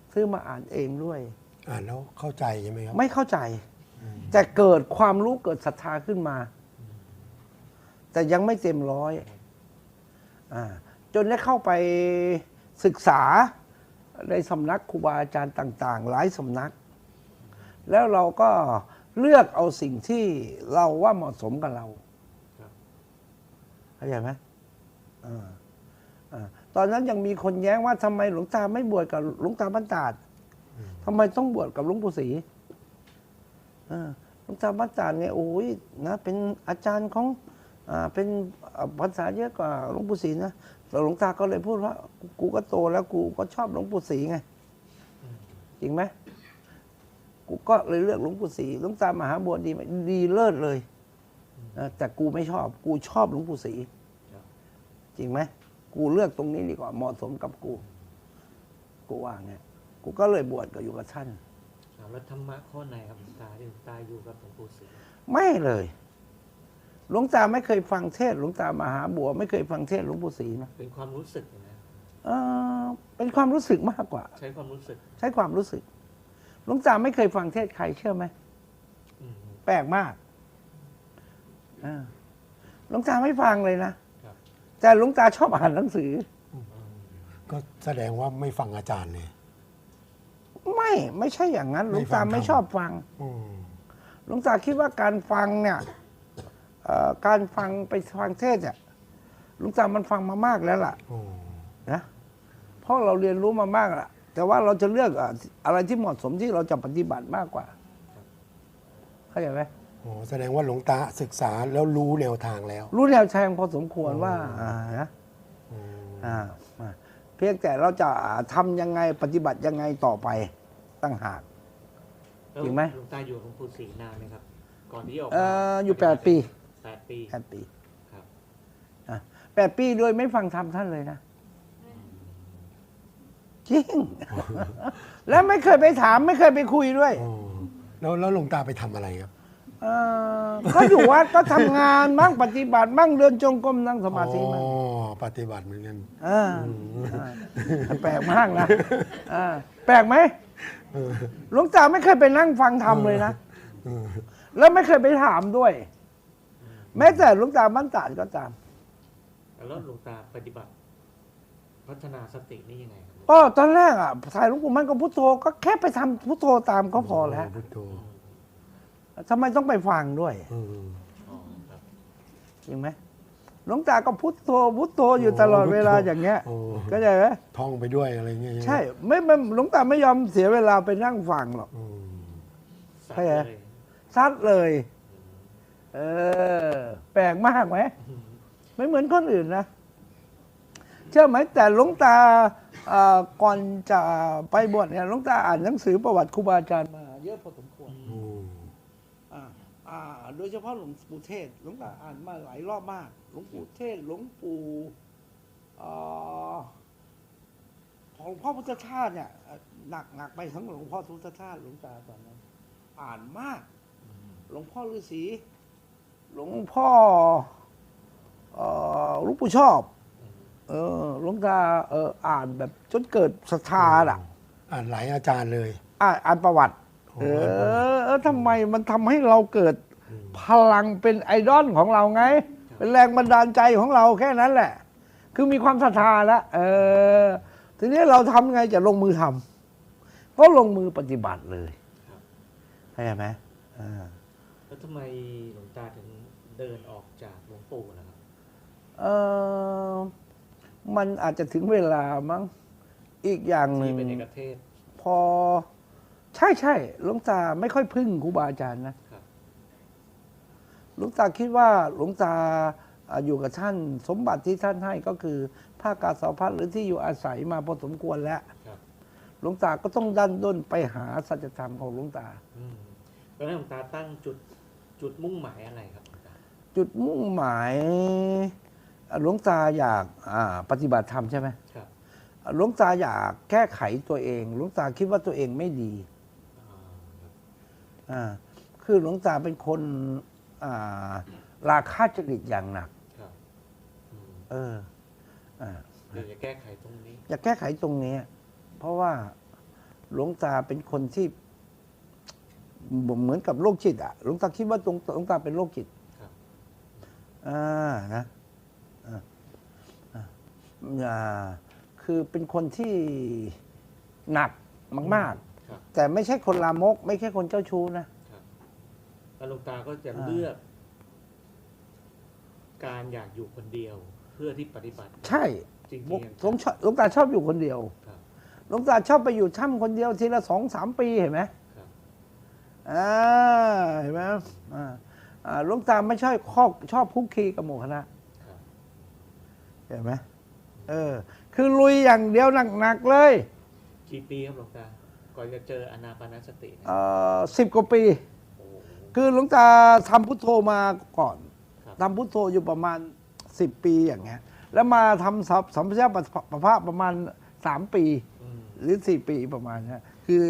ซื้อมาอ่านเองด้วยอ่านแล้วเข้าใจใช่ไหมครับไม่เข้าใจแต่เกิดความรู้เกิดศรัทธาขึ้นมา แต่ยังไม่เต็มร้อยจนได้เข้าไปศึกษาในสำนักครูบาอาจารย์ต่าง ๆ หลายสำนัก แล้วเราก็เลือกเอาสิ่งที่เราว่าเหมาะสมกับเราเข้าใจไหมตอนนั้นยังมีคนแย้งว่าทำไมหลวงตาไม่บวชกับหลวงตาบ้านตาดทำไมต้องบวชกับหลวงปู่ศรีหลวงตาบ้านตาดเนี่ยโอ้ยนะเป็นอาจารย์ของเป็นภาษาเยอะกว่าหลวงปู่ศรีนะแต่หลวงตาก็เลยพูดว่ากูก็โตแล้วกูก็ชอบหลวงปู่ศรีไงจริงไหมกูก็เลยเลือกหลวงปู่ศรีหลวงตามหาบัวดีไหมดีเลิศเลยแต่กูไม่ชอบกูชอบหลวงปู่ศรีจริงไหมกูเลือกตรงนี้ดีกว่าเหมาะสมกับกูว่าไงกูก็เลยบวชกับอยู่กับท่านแล้วธรรมะข้อไหนครับหลวงตาที่หลวงตาอยู่กับหลวงปู่ศรีไม่เลยหลวงตาไม่เคยฟังเทศหลวงตามหาบัวไม่เคยฟังเทศหลวงปู่ศรีนะเป็นความรู้สึกนะเป็นความรู้สึกมากกว่าใช้ความรู้สึกใช้ความรู้สึกหลวงตาไม่เคยฟังเทศใครเชื่อไหมแปลกมากหลวงตาไม่ฟังเลยนะแต่หลวงตาชอบอ่านหนังสือก็แสดงว่าไม่ฟังอาจารย์เลยไม่ใช่อย่างนั้นหลวงตาไม่ชอบฟังหลวงตาคิดว่าการฟังเนี่ยการฟังไปฟังเทศเนี่ยหลวงตามันฟังมามากแล้วล่ะนะเพราะเราเรียนรู้มามากแล้วแต่ว่าเราจะเลือกอะไรที่เหมาะสมที่เราจะปฏิบัติมากกว่าเข้าใจไหมแสดงว่าหลวงตาศึกษาแล้วรู้แนวทางแล้วรู้แนวทางพอสมควรว่านะเพียงแต่เราจะทำยังไงปฏิบัติยังไงต่อไปตั้งหากจริงไหมหลวงตาอยู่ของปู่ศรีนานไหมครับก่อนที่ออกอยู่8 ปี 8 ปี 8 ปีครับ 8 ปีโดยไม่ฟังธรรมท่านเลยนะจริงแล้วไม่เคยไปถามไม่เคยไปคุยด้วยแล้วหลวงตาไปทำอะไรครับก็อยู่วัดก็ทำงานบ้างปฏิบัติบ้างเดินจงกรมนั่งสมาธิบ้างปฏิบัติเหมือนกันแปลกมากนะแปลกไหมหลวงตาไม่เคยไปนั่งฟังธรรมเลยนะแล้วไม่เคยไปถามด้วยแม้แต่หลวงตาบ้านตาดก็ตามแล้วหลวงตาปฏิบัติพัฒนาสตินี่ยังไงครับก็ตอนแรกถ่ายหลวงปู่มั่นก็พุทโธก็แค่ไปทำพุทโธตามก็พอแล้วทำไมต้องไปฟังด้วยจริงไหมหลวงตาก็พุทโธพุทโธอยู่ตลอดเวลาอย่างเงี้ยก็ใช่ไหมท่องไปด้วยอะไรเงี้ยใช่ไม่หลวงตาไม่ยอมเสียเวลาไปนั่งฟังหรอกใช่ไหมซัดเลยแปลกมากไหมไม่เหมือนคนอื่นนะเชื่อไหมแต่หลวงตาก่อนจะไปบวชเนี่ยหลวงตาอ่านหนังสือประวัติครูบาอาจารย์มาเยอะพอสมควรโดยเฉพาะหลวงปู่เทศหลวงตาอ่านมาหลายรอบมากหลวงปู่เทศหลวงปู่ของพ่อพุทธทาสเนี่ยหนักไปทั้งหลวงพ่อพุทธทาสหลวงตาตอนนั้นอ่านมากหลวงพ่อฤาษีหลวงพ่อหลวงปู่ชอบหลวงตาอ่านแบบจนเกิดศรัทธาอ่านหลายอาจารย์เลยอ่านประวัติทำไมมันทำให้เราเกิดพลังเป็นไอดอลของเราไงเป็นแรงบันดาลใจของเราแค่นั้นแหละคือมีความศรัทธาแล้วทีนี้เราทำไงจะลงมือทำก็ลงมือปฏิบัติเลยเข้าใจไหมแล้วทำไมหลวงตาถึงเดินออกจากหลวงปู่นะครับมันอาจจะถึงเวลามั้งอีกอย่างหนึ่งเป็นเอกเทศพอใช่หลวงตาไม่ค่อยพึ่งครูบาอาจารย์นะหลวงตาคิดว่าหลวงตาอยู่กับท่านสมบัติที่ท่านให้ก็คือผ้ากาสาวพัดหรือที่อยู่อาศัยมาพอสมควรแล้วหลวงตาก็ต้องดันด้นไปหาสัจธรรมของหลวงตาแล้วหลวงตาตั้งจุดมุ่งหมายอะไรครับจุดมุ่งหมายหลวงตาอยากปฏิบัติธรรมใช่ไหมหลวงตาอยากแก้ไขตัวเองหลวงตาคิดว่าตัวเองไม่ดีคือหลวงตาเป็นคนราคะจริตอย่างหนักอยากแก้ไขตรงนี้อยากแก้ไขตรงนี้เพราะว่าหลวงตาเป็นคนที่เหมือนกับโรคจิตอ่ะหลวงตาคิดว่าหลวงตาเป็นโรคจิตครับนะอ่าอ่าคือเป็นคนที่หนักมากครับๆ แต่ไม่ใช่คนลามก ไม่ใช่คนเจ้าชู้นะครับแล้วหลวงตาก็จะเลือก การอยากอยู่คนเดียว เพื่อที่ปฏิบัติใช่จริงหลวงตาชอบอยู่คนเดียวครับหลวงตาชอบไปอยู่ถ้ำคนเดียวทีละ2-3 ปีเห็นไหมครับเห็นไหมหลวงตาไม่ชอบคุกคีกับหมู่คณะครับเห็นไหมคือลุยอย่างเดียวหนักๆเลยกี่ปีครับหลวงตา ก่อนจะเจออานาปานสติเนี่ย 10 กว่าปีโอ้โหคือหลวงตาทำพุทโธมาก่อนครับทำพุทโธอยู่ประมาณ10 ปีอย่างเงี้ย แล้วมาทำสัมปชัญญะประภาประมาณ3 ปีอืมหรือ4 ปีประมาณนี้คือ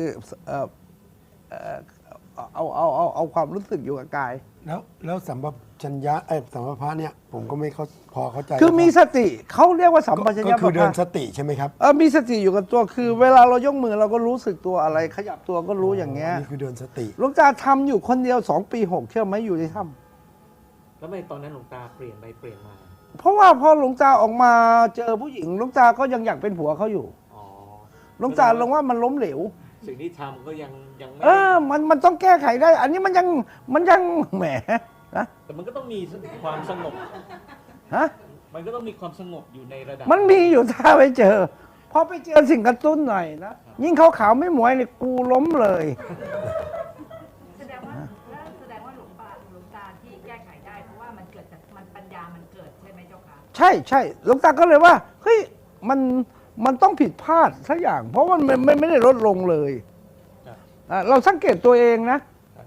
เอาความรู้สึกอยู่กับกายแล้วสัมปชัญญะสัมปพะเนี่ยผมก็ไม่พอเข้าใจคือมีสติเขาเรียกว่าสัมปชัญก็ญะคือเดินปะสติใช่ไหมครับมีสติอยู่กับตัวคือ เวลาเรายกมือเราก็รู้สึกตัวอะไร ขยับตัวก็รู้อย่างเงี้ยนี่คือเดินสติหลวงตาทำอยู่คนเดียว2 ปี 6 เชื่อไหมอยู่ในถ้แล้วทำไมตอนนั้นหลวงตาเปลี่ยนไปเปลี่ยนมาำเพราะว่าพอหลวงตาออกมาเจอผู้หญิงหลวงตาก็ยังอยากเป็นผัวเขาอยู่อ๋อหลวงตาลงว่ามันล้มเหลวสิ่งที่ทำก็ยังไม่มันต้องแก้ไขได้ อันนี้มันยังแหมนะแต่มันก็ต้องมีความสงบฮะมันก็ต้องมีความสงบอยู่ในระดับมันมีอยู่ถ้าไปเจอ พอไปเจอสิ่งกระตุ้นหน่อยนะ ยิ่งเขาขาวไม่หมวยเนี่ยกูล้มเลยแสดงว่าหลวงตาที่แก้ไขได้เพราะว่ามันเกิดจากปัญญามันเกิดใช่ไหมเจ้าคะใช่หลวงตาก็เลยว่าเฮ้ยมันต้องผิดพลาดสักอย่าง เพราะว่ามันไม่ได้ลดลงเลยครับเราสังเกตตัวเองนะครับ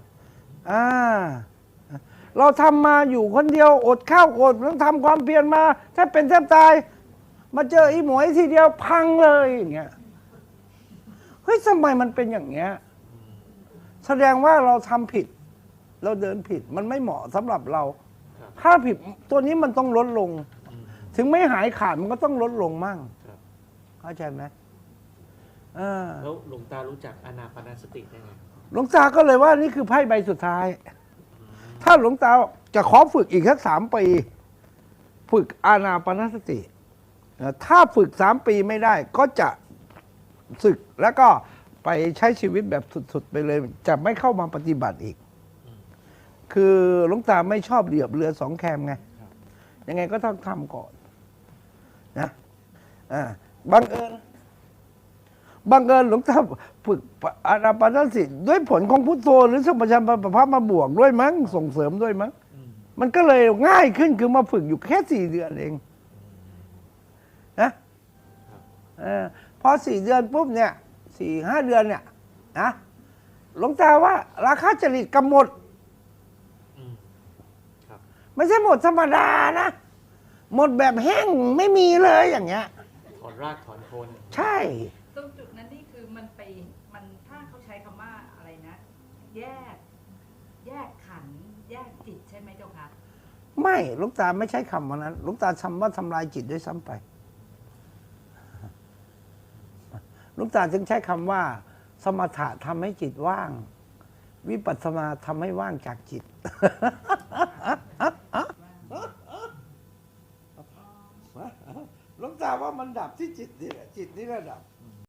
เราทำมาอยู่คนเดียวอดข้าวอดต้องทำความเพียรมาแทบเป็นแทบตาย มาเจออีหมวยทีเดียวพังเลยอย่างเงี้ยเฮ้ยทำไมมันเป็นอย่างเงี้ยแสดงว่าเราทำผิด เราเดินผิดมันไม่เหมาะสำหรับเราครับถ้าผิดตัวนี้มันต้องลดลงอืมถึงไม่หายขาดมันก็ต้องลดลงมั่งครับเข้าใจไหมแล้วหลวงตารู้จักอานาปานสติได้ไงหลวงตาก็เลยว่านี่คือไพ่ใบสุดท้าย ถ้าหลวงตาจะขอฝึกอีกสัก3 ปี ฝึกอานาปานสติ ถ้าฝึก3 ปีไม่ได้ ก็จะศึกแล้วก็ไปใช้ชีวิตแบบสุดๆไปเลย จะไม่เข้ามาปฏิบัติอีก คือหลวงตาไม่ชอบเหลียบเรือ2 แคมไง ยังไงก็ต้องทำก่อนนะบังเอิญหลวงตาฝึกอานาปานสติด้วยผลของพุทโธหรือสัมปชัญญะประภามาบวกด้วยมั้งส่งเสริมด้วยมั้งอืมมันก็เลยง่ายขึ้นคือมาฝึกอยู่แค่4 เดือนเองนะพอ4 เดือนปุ๊บเนี่ย4-5 เดือนเนี่ยนะหลวงตาว่าราคาจริตกำหนดอืมครับไม่ใช่หมดธรรมดานะ หมดแบบแห้งไม่มีเลยอย่างเงี้ยถอนรากถอนโคนใช่ตรงจุดนั้นนี่คือมันถ้าเขาใช้คำว่าอะไรนะ แยกขันธ์แยกจิตใช่ไหมเจ้าคะไม่หลวงตาไม่ใช้คำว่านั้นหลวงตาทำว่าทำลายจิตด้วยซ้ำไปหลวงตาจึงใช้คำว่า สมถะทำให้จิตว่าง วิปัสสนาทำให้ว่างจากจิต หลวงตาว่ามันดับที่จิตนี่แหละจิตนี่แหละดับ